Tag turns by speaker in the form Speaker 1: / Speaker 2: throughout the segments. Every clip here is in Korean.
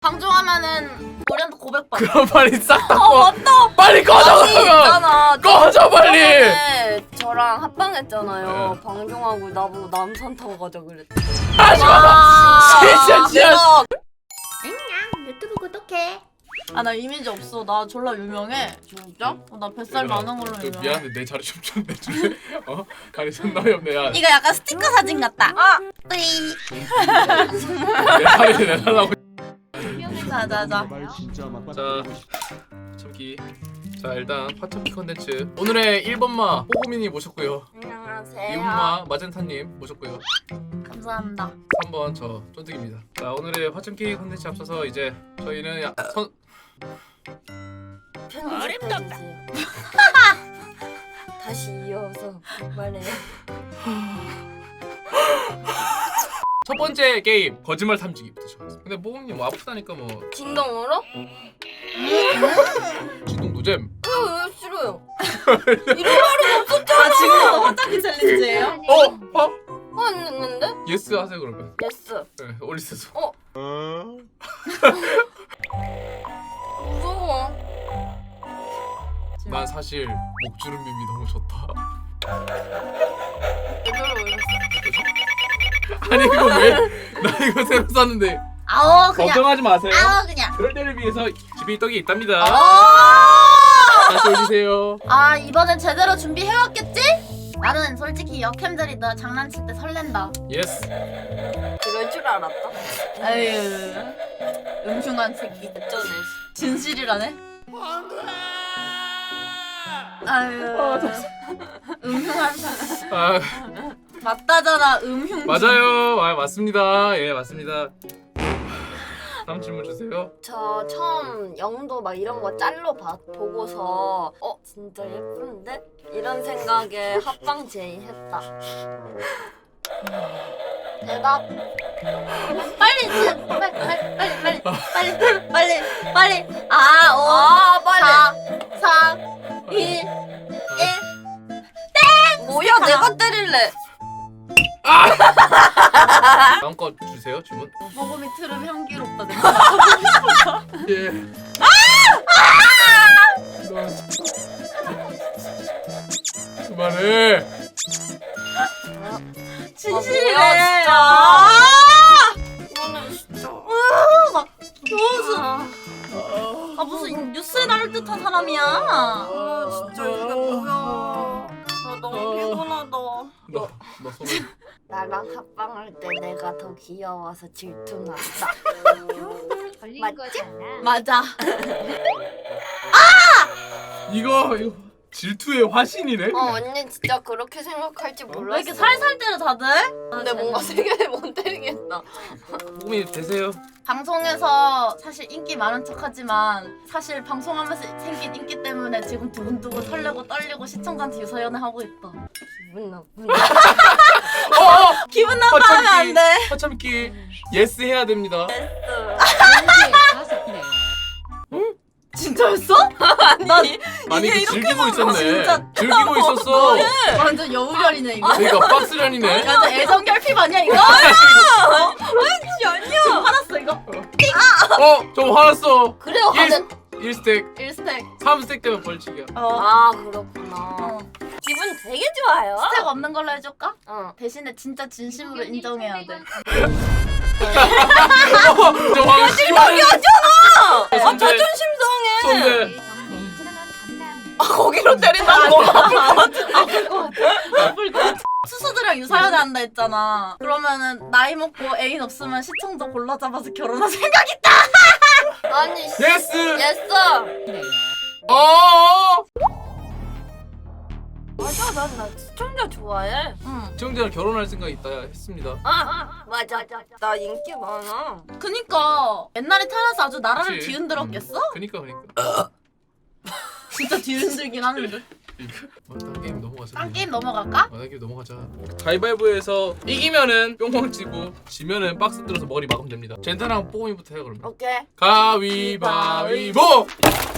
Speaker 1: 방종하면은 우리한테 고백받아.
Speaker 2: 그럼 빨리 싹 다 꺼.
Speaker 1: 맞다.
Speaker 2: 빨리 꺼져
Speaker 3: 아니
Speaker 2: 그러면.
Speaker 3: 있잖아.
Speaker 2: 꺼져 빨리.
Speaker 3: 저번에 저랑 합방했잖아요.
Speaker 2: 네.
Speaker 3: 방종하고 나보고 남산 타고 가자 그랬대.
Speaker 2: 하지마. 진짜 진짜.
Speaker 3: 내가
Speaker 1: 유튜브 구독해. 아 나 이미지 없어. 나 졸라 유명해.
Speaker 3: 진짜?
Speaker 1: 나 뱃살 많은 걸로 유명해.
Speaker 2: 미안한데 내 자리 좀 내줄래? 자리 존나 없네. 야.
Speaker 1: 이거 약간 스티커 사진 같다.
Speaker 3: 아!
Speaker 1: 뿌이.
Speaker 2: 내 자리 내달라고.
Speaker 1: 자자자.
Speaker 2: 자, 참기. 자 일단 파참기 컨텐츠 오늘의 1번마 뽀고민이 모셨고요.
Speaker 3: 안녕하세요.
Speaker 2: 2번마 마젠타님 모셨고요.
Speaker 1: 감사합니다.
Speaker 2: 3번 저 쫀득입니다. 자 오늘의 화참기 컨텐츠 앞서서 이제 저희는
Speaker 3: 편집해주세요. 다시 이어서 말해요.
Speaker 2: 첫 번째 게임 거짓말 탐지기부터 시작하겠습니다. 근데 뽀고민이 뭐 아프다니까 뭐
Speaker 3: 진동으로?
Speaker 2: 진동 노잼.
Speaker 3: 왜 싫어요? 이런 말은 없었잖아.
Speaker 1: 아 지금도 화장기 챌린지예요?
Speaker 3: 안 했는데?
Speaker 2: 예스 하세요 그러면.
Speaker 3: 예스.
Speaker 2: 네 올리세서.
Speaker 3: 무서워.
Speaker 2: 난 사실 목주름밈이 너무 좋다.
Speaker 3: 제대로 올렸어.
Speaker 2: 아니 이거 왜? 나 이거 새로 샀는데.
Speaker 1: 아오 그냥.
Speaker 2: 걱정하지 마세요.
Speaker 1: 아오 그냥.
Speaker 2: 그럴 때를 위해서 집에 떡이 있답니다.
Speaker 1: 아!
Speaker 2: 다시 올리세요.
Speaker 1: 아 이번엔 제대로 준비해왔겠지? 나는 솔직히 역캠들이 너 장난칠 때 설렌다.
Speaker 2: 예스.
Speaker 3: 그럴 줄 알았다.
Speaker 1: 에휴 음흉한 새끼.
Speaker 3: 어쩌네.
Speaker 1: 진실이라네. 아유 음흉한 새끼.
Speaker 2: 아
Speaker 1: 맞다잖아 음흉.
Speaker 2: 맞아요. 아 맞습니다. 예 맞습니다. 다음 질문 주세요.
Speaker 3: 저 처음 영도 막 이런 거 짤로 보고서 진짜 예쁜데? 이런 생각에 합방 제의했다. 대답.
Speaker 1: 빨리 빨리.
Speaker 3: 아 빨리.
Speaker 1: 4 2 1
Speaker 3: 뭐야 내가 때릴래.
Speaker 2: 다음 거 주세요 질문.
Speaker 1: 모금이 트름 향기롭다.
Speaker 2: 예. 그만해.
Speaker 1: 진실이래.
Speaker 3: 뭐야, 진짜.
Speaker 1: 아!
Speaker 3: 이거는 진짜.
Speaker 1: 막 무슨 무슨 뉴스에 나올 듯한 사람이야.
Speaker 3: 진짜 이게 뭐야. 나 너무 피곤하다.
Speaker 2: 너 손을.
Speaker 3: 나랑 합방할 때 내가 더 귀여워서 질투났다. 맞지?
Speaker 1: 맞아.
Speaker 2: 이거 질투의 화신이네.
Speaker 3: 언니 진짜 그렇게 생각할지 몰랐어.
Speaker 1: 왜 이렇게 살살 때려 다들?
Speaker 3: 근데 뭔가 세게 못 때리겠다.
Speaker 2: 꿈이 되세요.
Speaker 1: 방송에서 사실 인기 많은 척하지만 사실 방송하면서 생긴 인기 때문에 지금 두근두근 설레고 떨리고 시청자한테 유서연애 하고 있다.
Speaker 3: 기분 나쁜.
Speaker 1: 기분 나빠하면 안 돼.
Speaker 2: 화참기 예스 해야 됩니다.
Speaker 1: 진짜였어?
Speaker 2: 아니
Speaker 3: 이게
Speaker 2: 이거
Speaker 3: 이렇게
Speaker 2: 즐기고
Speaker 3: 나와.
Speaker 2: 있었네.
Speaker 1: 진짜.
Speaker 2: 즐기고 있었어.
Speaker 1: 완전 여우열이네 이거.
Speaker 2: 그러니까 박스련이네.
Speaker 1: 완전 애정 결핍 아니야 이거?
Speaker 3: 아니야.
Speaker 1: 지금 화났어 이거.
Speaker 2: 좀 화났어.
Speaker 3: 그래요. 하는.
Speaker 2: 1스택,
Speaker 1: 1스택.
Speaker 2: 3스택 되면 벌칙이야.
Speaker 3: 아 그렇구나. 기분 되게 좋아요.
Speaker 1: 스택 없는 걸로 해줄까? 대신에 진짜 진심으로 인정해야 돼.
Speaker 2: 저 마지막이었잖아.
Speaker 3: 아 자존심 상해.
Speaker 2: 손대.
Speaker 3: 아 거기로 때린다고.
Speaker 1: 수수들이랑 유사연애 한다 했잖아. 그러면은 나이 먹고 애인 없으면 시청자 골라 잡아서 결혼할 생각 있다.
Speaker 3: 아니.
Speaker 2: 예스.
Speaker 3: 예스. 맞아 나 시청자 좋아해.
Speaker 1: 응.
Speaker 2: 시청자랑 결혼할 생각이 있다 했습니다.
Speaker 3: 맞아. 나 인기 많아.
Speaker 1: 그니까 옛날에 태어나서 아주 나라를
Speaker 2: 그치.
Speaker 1: 뒤흔들었겠어?
Speaker 2: 그니까.
Speaker 1: 진짜 뒤흔들긴 하는데.
Speaker 2: 딴 게임 넘어가자.
Speaker 1: 딴 게임 넘어갈까?
Speaker 2: 딴 게임 넘어가자. 가위바위보에서 이기면은 뿅뿅 치고 지면은 박스 들어서 머리 막으면 됩니다. 젠타랑 뽀고미부터 해요 그러면.
Speaker 3: 오케이.
Speaker 2: 가위바위보.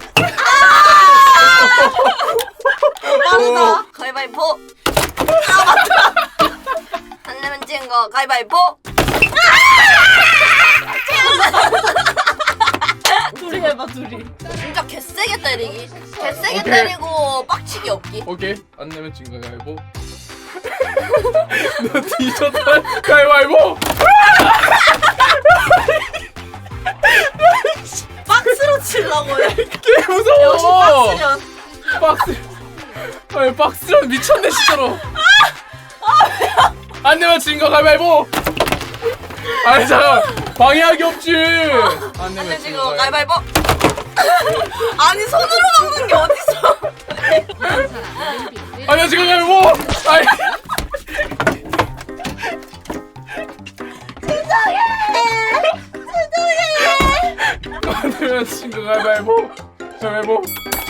Speaker 1: 빠르다.
Speaker 3: 가위바위보. 아 맞다. 안 내면 찐 거 가위바위보.
Speaker 2: 때리기.
Speaker 3: 진짜 개세게 때리기. 개세게
Speaker 2: 오케이.
Speaker 3: 때리고 빡치기 없기.
Speaker 2: 오케이. 안 내면 진 거 가위바위보. 너 뒤졌다. 가위바위보.
Speaker 1: 박스로 치려고 해.
Speaker 2: 개 무서워.
Speaker 1: 역시 박스면.
Speaker 2: 박스. 아니 박스는 미쳤네 진짜로. 안 내면 진 거 가위바위보. 아니 잠깐 방해하기 없지. 안 내면
Speaker 3: 근데
Speaker 2: 진
Speaker 3: 지금
Speaker 2: 거
Speaker 3: 가위바위보. 아니 손으로 먹는 게 어딨어?
Speaker 2: 아니야 지금 가위바위보. 아니. 안 내면 진 거 가위바위보. 가위바위보.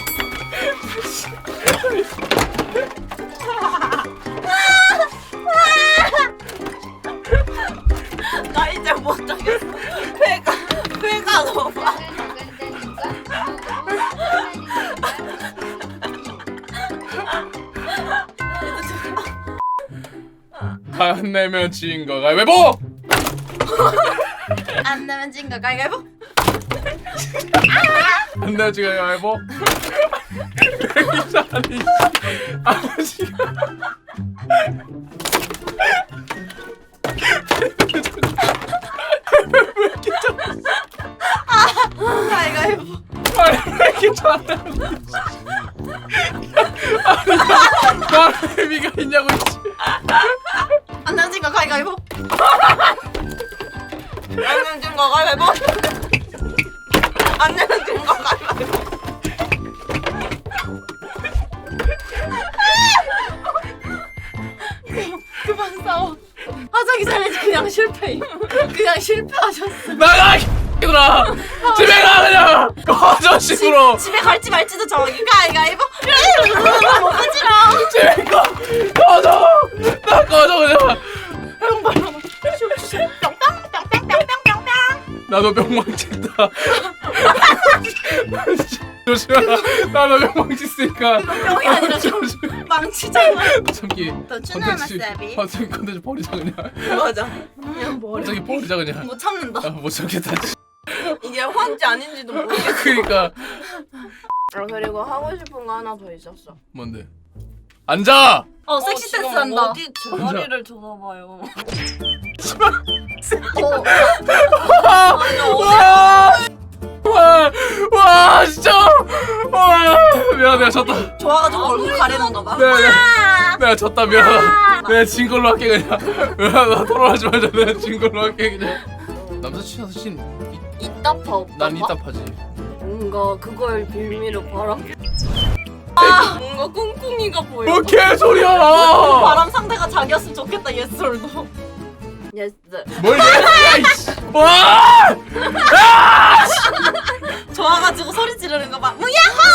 Speaker 3: 나 이제 못하겠어. 회가 너무 아파.
Speaker 2: 안 내면 진 거 가위바위보.
Speaker 1: 안 내면 진 거 가위바위보.
Speaker 2: 안 내면 진 거 가위바위보. 아니 아버지가
Speaker 1: 가위바위보.
Speaker 2: 아니 왜 이렇게 잘하는 나는 의미가 있냐고 있지.
Speaker 1: 안 내면 진 거 가위바위보.
Speaker 3: 안 내면 진 거 가위바위보. 안 내면 진 거 가위바위보.
Speaker 1: 그만 싸워. 하자기 전에 그냥 실패. 그냥 실패하셨어.
Speaker 2: 나가 이들아 집에 가 그냥 꺼져 식으로
Speaker 1: 집에 갈지 말지도 정하기. 가위바위보. 못 가지라.
Speaker 2: 집에 가 꺼져 나 꺼져 그냥 나도 명망 친다. 조심해라. 나도 명망 쳤으니까.
Speaker 1: 명이 아니라 망치잖아.
Speaker 2: 참기.
Speaker 1: 더 추나마사비.
Speaker 2: 컨텐츠 버리자 그냥.
Speaker 3: 맞아.
Speaker 1: 그냥 머리.
Speaker 2: 저기 버리자 그냥.
Speaker 1: 못 참는다.
Speaker 2: 아, 못 참겠다.
Speaker 3: 이게 화인지 아닌지도 모르겠어.
Speaker 2: 그러니까
Speaker 3: 그리고 하고 싶은 거 하나 더 있었어.
Speaker 2: 뭔데? 앉아.
Speaker 1: 섹시 댄스 한다.
Speaker 3: 어디 제 머리를 쳐다봐요.
Speaker 2: 와 진짜. 와 미안 내가 졌다.
Speaker 1: 좋아가지고 얼굴 가리는가 봐.
Speaker 2: 내가 졌다 미안. 내가 진 걸로 할게 그냥. 나 토론하지 말자. 내가 진 걸로 할게 그냥. 남사친 여사친
Speaker 3: 이따파 없다.
Speaker 2: 난 이따파지.
Speaker 3: 뭔가 그걸 빌미로 바람. 뭔가 꿍꿍이가 보여.
Speaker 2: 뭐 개소리야.
Speaker 1: 바람 상대가 자기였으면 좋겠다. 예솔도.
Speaker 3: 예스.
Speaker 2: 뭘 얘기야 이씨. 와.
Speaker 1: 좋아가지고 소리 지르는 거 봐. 뭐야?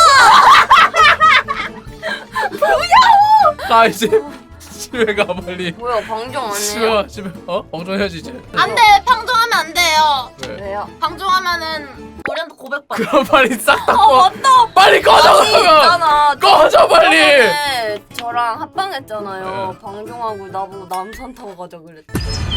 Speaker 2: 가 이제 집에 가 빨리.
Speaker 3: 뭐야 방정 안
Speaker 2: 집에
Speaker 3: 해요?
Speaker 2: 가 집에. 방송해야지 이제.
Speaker 1: 안돼. 방종하면 안 돼요.
Speaker 2: 왜?
Speaker 3: 왜요?
Speaker 1: 방종하면은 우리한테 고백받아.
Speaker 2: 그럼 빨리 싹 닦고.
Speaker 1: 맞다.
Speaker 2: 빨리 꺼져
Speaker 3: 아니,
Speaker 2: 그러면.
Speaker 3: 있잖아.
Speaker 2: 꺼져 빨리.
Speaker 3: 저번에 저랑 합방했잖아요.
Speaker 2: 네.
Speaker 3: 방종하고 나보고 남산 타고 가자 그랬대.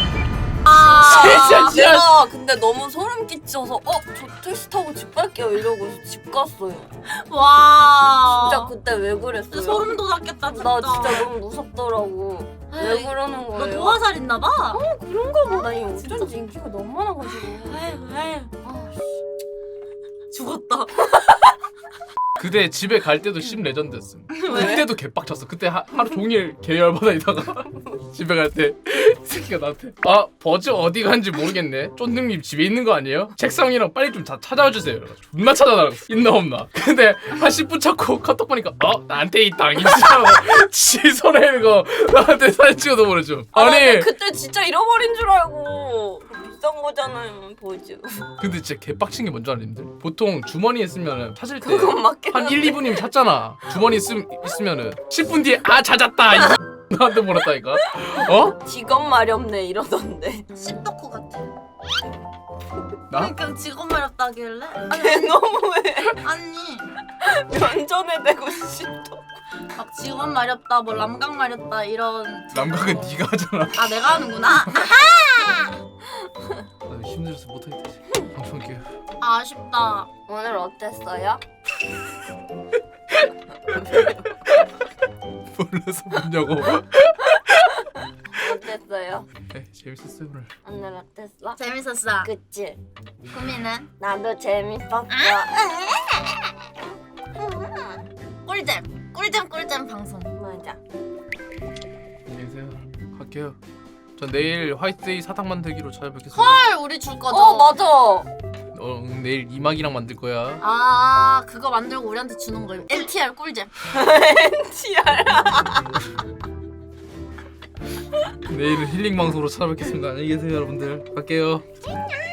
Speaker 2: 진짜 진짜.
Speaker 3: 내가 근데 너무 소름 끼쳐서 저 택시 타고 집 갈게요 이러고 집 갔어요.
Speaker 1: 와.
Speaker 3: 진짜 그때 왜 그랬어요?
Speaker 1: 소름 돋았겠다 진짜.
Speaker 3: 나 진짜 너무 무섭더라고. 왜
Speaker 1: 에이,
Speaker 3: 그러는
Speaker 1: 너
Speaker 3: 거예요?
Speaker 1: 도화살 있나 봐.
Speaker 3: 그런가 보다. 이
Speaker 1: 진짜?
Speaker 3: 어쩐지 인기가 너무 많아가지고.
Speaker 1: 에휴.
Speaker 3: 아,
Speaker 1: 죽었다.
Speaker 2: 그때 집에 갈 때도 심 레전드였음. 그때도 개빡쳤어. 그때 하루 종일 개열받아 있다가 집에 갈 때 이 새끼가 나한테 버즈 어디 간지 모르겠네. 쫀득님 집에 있는 거 아니에요? 책상이랑 빨리 좀 찾아와 주세요. 존나 찾아달라고. 있나 없나. 근데 한 10분 찾고 카톡 보니까 나한테 있다. 인지하고 지 손에 있는 거 나한테 사진 찍어서 보내줘. 아니
Speaker 3: 그때 진짜 잃어버린 줄 알고. 비싼 거잖아요 버즈.
Speaker 2: 근데 진짜 개빡친 게 뭔지 아는데 보통 주머니에 있으면 찾을 때
Speaker 3: 그건 맞긴
Speaker 2: 한 1, 2분이면 찾잖아. 주머니 있으면은 10분 뒤에 찾았다. 이 나한테 보냈다니까.
Speaker 3: 직업 마렵네 이러던데.
Speaker 1: 씹덕후 같아.
Speaker 2: 나?
Speaker 1: 그러니까 직업 마렵다길래?
Speaker 3: 걔 너무해.
Speaker 1: 아니
Speaker 3: 면전에 대고 싶어.
Speaker 1: 막 직업 마렵다 뭐 람각 마렵다 이런.
Speaker 2: 남각은 네가 하잖아.
Speaker 1: 아 내가 하는구나.
Speaker 2: 나 힘들어서 못하겠다. 방송할게요.
Speaker 1: 아쉽다.
Speaker 3: 오늘 어땠어요?
Speaker 2: 몰라서 묻냐고.
Speaker 3: 어땠어요?
Speaker 2: 네, 재밌었어요 오늘.
Speaker 3: 오늘 어땠어?
Speaker 1: 재밌었어.
Speaker 3: 그치?
Speaker 1: 구미는
Speaker 3: 나도 재밌었어.
Speaker 1: 꿀잼 방송.
Speaker 3: 맞아.
Speaker 2: 안녕히 계세요. 갈게요. 전 내일 화이트데이 사탕 만들기로 찾아뵙겠습니다.
Speaker 1: 헐 우리 줄 거죠.
Speaker 3: 맞아.
Speaker 2: 내일 이막이랑 만들 거야.
Speaker 1: 아 그거 만들고 우리한테 주는 거예요. NTR 꿀잼.
Speaker 2: 내일은 힐링 방송으로 찾아뵙겠습니다. 안녕히 계세요 여러분들. 갈게요.